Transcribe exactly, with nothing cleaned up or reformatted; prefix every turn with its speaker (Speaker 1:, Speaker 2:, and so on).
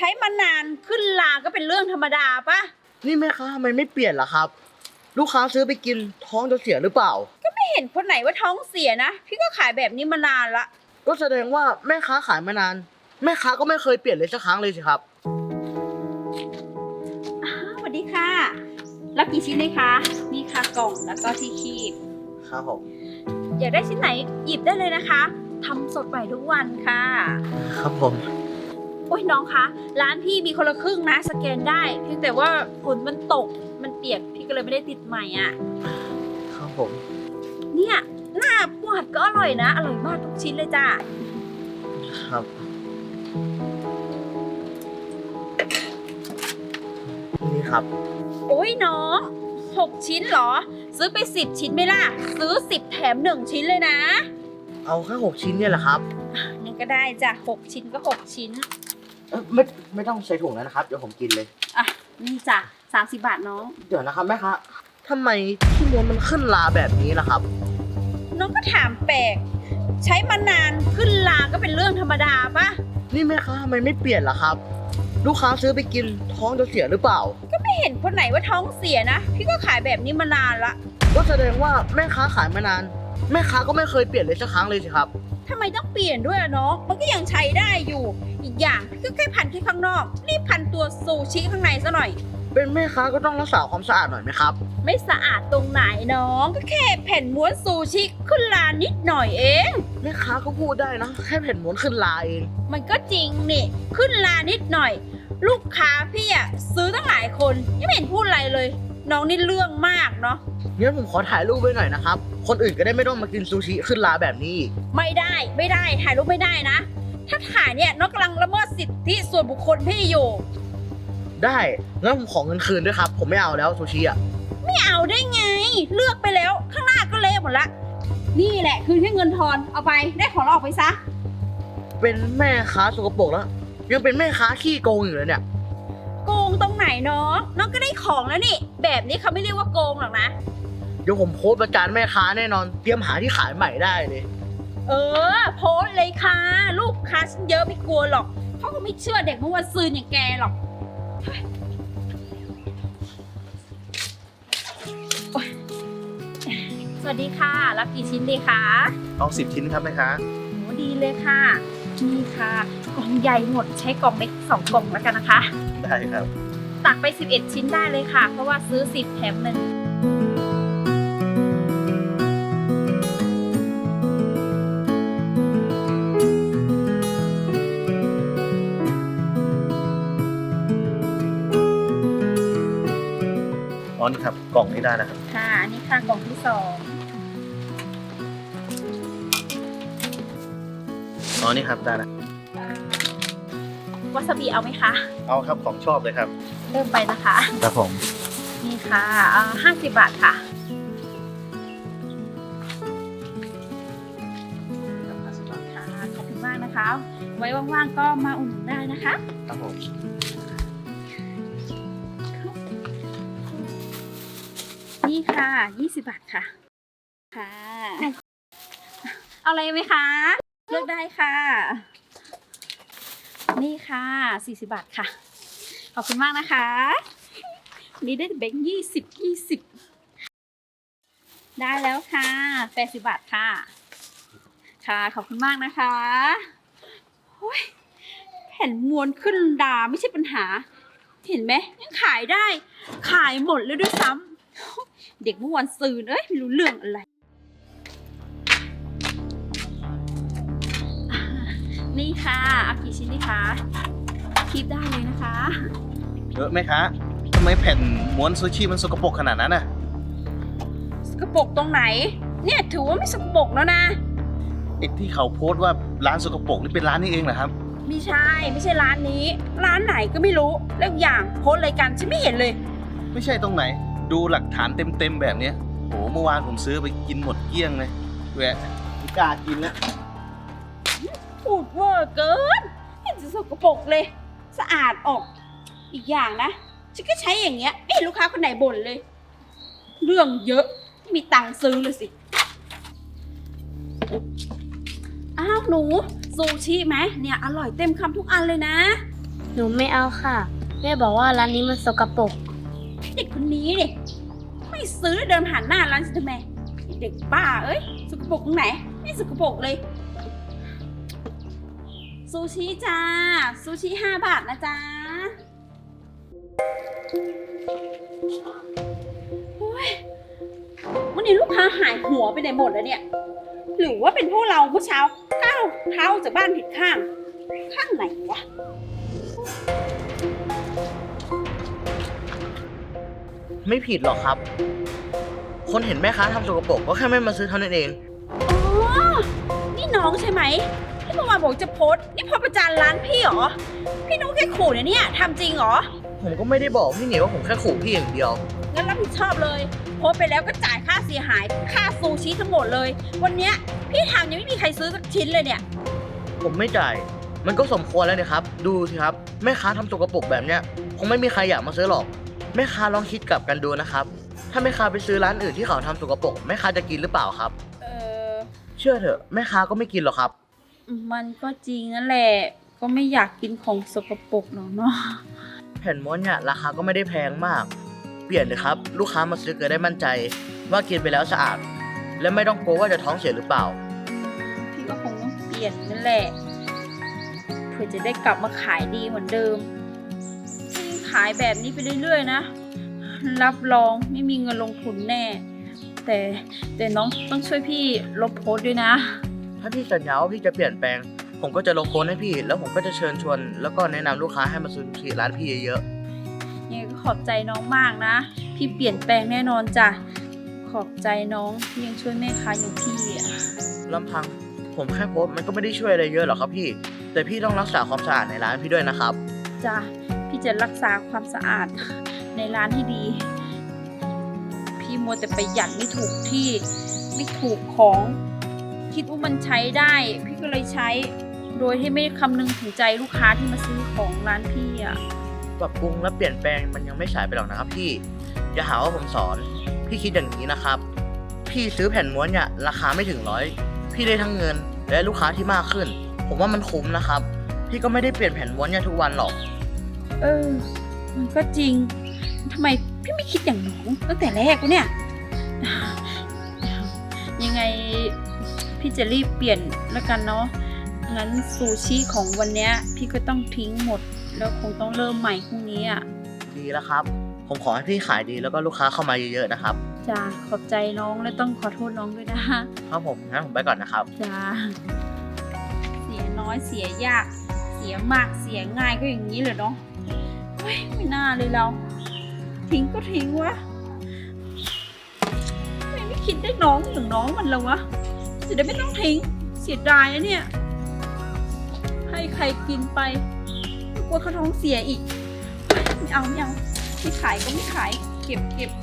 Speaker 1: ช้มานานขึ้นลาก็เป็นเรื่องธรรมดาปะ
Speaker 2: นี่แม่ค้าทำไมไม่เปลี่ยนล่ะครับลูกค้าซื้อไปกินท้องจะเสียหรือเปล่า
Speaker 1: ก็ไม่เห็นคนไหนว่าท้องเสียนะพี่ก็ขายแบบนี้มานานละ
Speaker 2: ก็แสดงว่าแม่ค้าขายมานานแม่ค้าก็ไม่เคยเปลี่ยนเลยสักครั้งเลยสิครับ
Speaker 1: สวัสดีค่ะรับกี่ชิ้นเลยคะนี่ค่ะกล่องแล้วก็ที่คีบ
Speaker 2: ครับผม
Speaker 1: อยากได้ชิ้นไหนหยิบได้เลยนะคะทำสดใหม่ทุกวันค่ะ
Speaker 2: ครับผม
Speaker 1: โอ้ยน้องคะร้านพี่มีคนละครึ่งนะสแกนได้เพียงแต่ว่าฝนมันตกมันเปียกพี่ก็เลยไม่ได้ติดใหม่อ่ะ
Speaker 2: ครับผม
Speaker 1: เนี่ยหน้าปวดก็อร่อยนะอร่อยมากทุกชิ้นเลยจ้ะ
Speaker 2: ครับนี่ครับ
Speaker 1: โอ้ยน้องหกชิ้นเหรอซื้อไปสิบชิ้นไหมล่ะซื้อสิบแถมหนึ่งชิ้นเลยนะ
Speaker 2: เอาแค่หกชิ้นเนี่ยแหละครับ
Speaker 1: นี่ก็ได้จ้ะหกชิ้นก็หกชิ้น
Speaker 2: เออไม่ไม่ต้องใส่ถุงแล้วนะครับเดี๋ยวผมกินเลย
Speaker 1: อ่ะนี่จ้ะสามสิบบาทน้อง
Speaker 2: เดี๋ยวนะครับแม่ค้าทำไมที่ม้วนมันขึ้นลาแบบนี้ล่ะครับ
Speaker 1: น้องก็ถามแปลกใช้มานานขึ้นลาก็เป็นเรื่องธรรมดาปะ
Speaker 2: นี่แม่ค้าทำไมไม่เปลี่ยนล่ะครับลูกค้าซื้อไปกินท้องจะเสียหรือเปล่า
Speaker 1: ก็ไม่เห็นคนไหนว่าท้องเสียนะพี่ก็ขายแบบนี้มานานละ
Speaker 2: ก็แสดงว่าแม่ค้าขายมานานแม่ค้าก็ไม่เคยเปลี่ยนเลยสักครั้งเลยสิครับ
Speaker 1: ทำไมต้องเปลี่ยนด้วยอะน้องมันก็ยังใช้ได้อยู่อีกอย่างพี่ก็แค่พันแค่ข้างนอกนี่พันตัวซูชิข้างในซะหน่อย
Speaker 2: เป็นแม่ค้าก็ต้องรักษาความสะอาดหน่อยไหมครับ
Speaker 1: ไม่สะอาดตรงไหนน้องก็แค่แผ่นม้วนซูชิขึ้นลานิดหน่อยเอง
Speaker 2: แม่ค้าก็พูดได้นะแค่แผ่นม้วนขึ้นลาเอง
Speaker 1: มันก็จริงนี่ขึ้นลานิดหน่อยลูกค้าพี่อะซื้อตั้งหลายคนยังไม่เห็นพูดอะไรเลยน้องนี่เรื่องมากเนาะ
Speaker 2: งั้นผมขอถ่ายรูปไว้หน่อยนะครับคนอื่นก็ได้ไม่ต้องมากินซูชิขึ้นลาแบบนี้
Speaker 1: ไม่ได้ไม่ได้ถ่ายรูปไม่ได้นะถ้าถ่ายเนี่ยน้องกำลังละเมิดสิทธิส่วนบุคคลพี่อยู่
Speaker 2: ได้งั้นผมขอเงินคืนด้วยครับผมไม่เอาแล้วซูชิอ่ะ
Speaker 1: ไม่เอาได้ไงเลือกไปแล้วข้างหน้าก็เละหมดละนี่แหละคืนแค่เงินทอนเอาไปได้ของเราออกไปซะ
Speaker 2: เป็นแม่ค้าสกปรกแล้วยังเป็นแม่ค้าขี้โกงอยู่เลยเนี่ย
Speaker 1: โกงตรงไหนน้องน้องก็ได้ของแล้วนี่แบบนี้เขาไม่เรียกว่าโกงหรอกนะ
Speaker 2: เดี๋ยวผมโพสต์ประจานแม่ค้าแน่นอนเตรียมหาที่ขายใหม่ได้เลย
Speaker 1: เออโพสต์เลยค่ะลูกค้าฉันเยอะไม่กลัวหรอกเขาก็ไม่เชื่อเด็กเมื่อวันซืนอย่างแกหรอกสวัสดีค่ะรับกี่ชิ้นดีคะ
Speaker 3: เอาสิบชิ้นครับแม่ค้า
Speaker 1: โหดีเลยค่ะนี่ค่ะกล่องใหญ่หมดใช้กล่องเล็กสองกล่องแล้วกันนะคะ
Speaker 3: ได้ครับ
Speaker 1: ตักไปสิบเอ็ดชิ้นได้เลยค่ะเพราะว่าซื้อสิบแถมหนึ่ง
Speaker 3: อ๋อนี่ครับกล่องนี้ได้แล้วครับ
Speaker 1: ค่ะนี่ค่ะกล่องที่สอง
Speaker 3: อ๋อนี่ครับได้แล้ว
Speaker 1: วาซาบิเอาไหมคะ
Speaker 3: เอาครับของชอบเลยครับ
Speaker 1: เริ่มไปนะคะ
Speaker 3: ครับผม
Speaker 1: นี่ค่ะห้าสิบบาทค่ะห้าสิบบาทค่ะขอบคุณมากนะคะไว้ว่างๆก็มาอุ่นได้นะคะ
Speaker 3: ครับผม
Speaker 1: นี่ค่ะยี่สิบบาทค่ะค่ะเอาอะไรไหมคะเลือกได้ค่ะนี่ค่ะสี่สิบบาทค่ะขอบคุณมากนะคะนี่ได้แบงค์ยี่สิบยี่สิบได้แล้วค่ะแปดสิบบาทค่ะค่ะขอบคุณมากนะคะโอ้ยแผ่นม้วนขึ้นดาไม่ใช่ปัญหาเห็นไหมยังขายได้ขายหมดแล้วด้วยซ้ำเด็กเมื่อวันซืนเอ้ยไม่รู้เรื่องอะไรนี่ค่ะเอากี่ชิ้นดีคะคีบได้เลยนะคะ
Speaker 3: เยอะไหมคะทำไมแผ่นม้วนซูชิมันสกปรกขนาดนั้นน่ะ
Speaker 1: สกปรกตรงไหนเนี่ยถือว่าไม่สกปรกแล้วนะ
Speaker 3: ไอ้ที่เขาโพสต์ว่าร้านสกปรกนี่เป็นร้านนี้เองเหรอครับ
Speaker 1: ไม่ใช่ไม่ใช่ร้านนี้ร้านไหนก็ไม่รู้แล้วอย่างโพสต์อะไรกันฉันไม่เห็นเลย
Speaker 3: ไม่ใช่ตรงไหนดูหลักฐานเต็มๆแบบนี้โหเมื่อวานผมซื้อไปกินหมดเกลี้ยงเลยแหวะไม่กล้ากินแล้ว
Speaker 1: พูดเวอร์เกินเห็นจะสกปรกเลยสะอาดออกอีกอย่างนะฉันก็ใช้อย่างเงี้ยไม่เห็นลูกค้าคนไหนบ่นเลยเรื่องเยอะไม่มีตังค์ซื้อเลยสิอ้าวหนูซูชิไหมเนี่ยอร่อยเต็มคำทุกอันเลยนะ
Speaker 4: หนูไม่เอาค่ะ แม่บอกว่าร้านนี้มันสกปรก
Speaker 1: เด็กคนนี้ดิไม่ซื้อแล้วเดินผ่านหน้าร้านฉันทำไมเด็กบ้าเอ้ยสกปรกตรงไหนไม่สกปรกเลยซูชิจ้าซูชิห้าบาทนะจ๊ะโอ้ยวันนี้ลูกค้าหายหัวไปไหนหมดแล้วเนี่ยหรือว่าเป็นพวกเราเมื่อเช้าก้าวเท้าจากบ้านผิดข้างข้างไหนวะ
Speaker 2: ไม่ผิดหรอกครับ คนเห็นแม่ค้าทำสกปรกก็แค่ไม่มาซื้อเท่านั้นเอง
Speaker 1: อ๋อ นี่น้องใช่ไหมที่เมื่อวานบอกจะโพสต์นี่พอประจานร้านพี่เหรอ พี่นุ๊กแค่ขู่เนี่ยเนี่ยทำจริงเหรอ
Speaker 2: ผมก็ไม่ได้บอกพี่เหนียวว่าผมแค่ขู่พี่อย่างเดียว
Speaker 1: งั้นรับผิดชอบเลย โพสต์ไปแล้วก็จ่ายค่าเสียหาย ค่าซูชิทั้งหมดเลย วันเนี้ยพี่ทำยังไม่มีใครซื้อสักชิ้นเลยเนี่ย
Speaker 2: ผมไม่จ่าย มันก็สมควรแล้วเนี่ยครับ ดูสิครับ แม่ค้าทำสกปรกแบบเนี้ยคงไม่มีใครอยากมาซื้อหรอก แม่ค้าลองคิดกลับกันดูนะครับ ถ้าแม่ค้าไปซื้อร้านอื่นที่เขาทำสกปรกแม่ค้าจะกินหรือเปล่าครับ
Speaker 1: เออ
Speaker 2: เชื่อเถอะแม่ค้าก็ไม่กินหรอกครับ
Speaker 1: มันก็จริงนั่นแหละ ก็ไม่อยากกินของสกปรกหรอกเนาะ
Speaker 2: แผ่นม้วนเนี่ยราคาก็ไม่ได้แพงมาก เปลี่ยนเลยครับ ลูกค้ามาซื้อเกิดได้มั่นใจ ว่ากินไปแล้วสะอาด และไม่ต้องกลัวว่าจะท้องเสียหรือเปล่า
Speaker 1: พี่ก็คงต้องเปลี่ยนนั่นแหละ เพื่อจะได้กลับมาขายดีเหมือนเดิมถ้ายังขายแบบนี้ไปเรื่อยๆนะ รับรองไม่มีเงินลงทุนแน่ แต่แต่น้องต้องช่วยพี่ลบโพสต์ด้วยนะ
Speaker 2: ถ้าพี่สัญญาว่าพี่จะเปลี่ยนแปลง ผมก็จะลงโพสต์ให้พี่ แล้วผมก็จะเชิญชวน แล้วก็แนะนำลูกค้าให้มาซื้อที่ร้านพี่เยอะ
Speaker 1: ยังไงก็ขอบใจน้องมากนะ พี่เปลี่ยนแปลงแน่นอนจ้ะ ขอบใจน้องที่ยังช่วยแม่ค้าอย่างพี่อ่ะ
Speaker 2: ๆลำพัง ผมแค่โพสต์มันก็ไม่ได้ช่วยอะไรเยอะหรอกครับพี่ แต่พี่ต้องรักษาความสะอาดในร้านพี่ด้วยนะครับ
Speaker 1: จ้ะ พี่จะรักษาความสะอาดในร้านให้ดี พี่มัวแต่ประหยัดไม่ถูกที่ ไม่ถูกของ คิดว่ามันใช้ได้ พี่ก็เลยใช้ โดยที่ไม่คำนึงถึงใจลูกค้าที่มาซื้อของร้านพี่อ่ะ
Speaker 2: ปรับปรุงและเปลี่ยนแปลงมันยังไม่สายไปหรอกนะครับพี่ อย่าหาว่าผมสอน พี่คิดอย่างนี้นะครับ พี่ซื้อแผ่นม้วนเนี่ยราคาไม่ถึงร้อย พี่ได้ทั้งเงินและลูกค้าที่มากขึ้น ผมว่ามันคุ้มนะครับ พี่ก็ไม่ได้เปลี่ยนแผ่นม้วนเนี่ยทุกวันหรอก
Speaker 1: เออ มันก็จริง ทำไมพี่ไม่คิดอย่างน้องตั้งแต่แรกวะเนี่ย ยังไงพี่จะรีบเปลี่ยนแล้วกันเนาะ งั้นซูชิของวันเนี้ยพี่ก็ต้องทิ้งหมด แล้วคงต้องเริ่มใหม่พรุ่งนี้อ่ะ
Speaker 2: ดีแล้วครับ ผมขอให้พี่ขายดีแล้วก็ลูกค้าเข้ามาเยอะๆนะครับ
Speaker 1: จ้าขอบใจน้องและต้องขอโทษน้องด้วยนะ
Speaker 2: ครับผมงั้นผมไปก่อนนะครับ
Speaker 1: จ้าเสียน้อยเสียยาก เสียมากเสียง่ายก็อย่างนี้เลยเนาะเฮ้ยไม่น่าเลยเรา ทิ้งก็ทิ้งวะทำไมไม่คิดได้น้องอย่างน้องมันแล้ววะจะได้ไม่ต้องทิ้งเสียดายนะเนี่ย ให้ใครกินไปกลัวเขาท้องเสียอีกไม่เอาไม่เอาไม่ขายก็ไม่ขาย เก็บเก็บ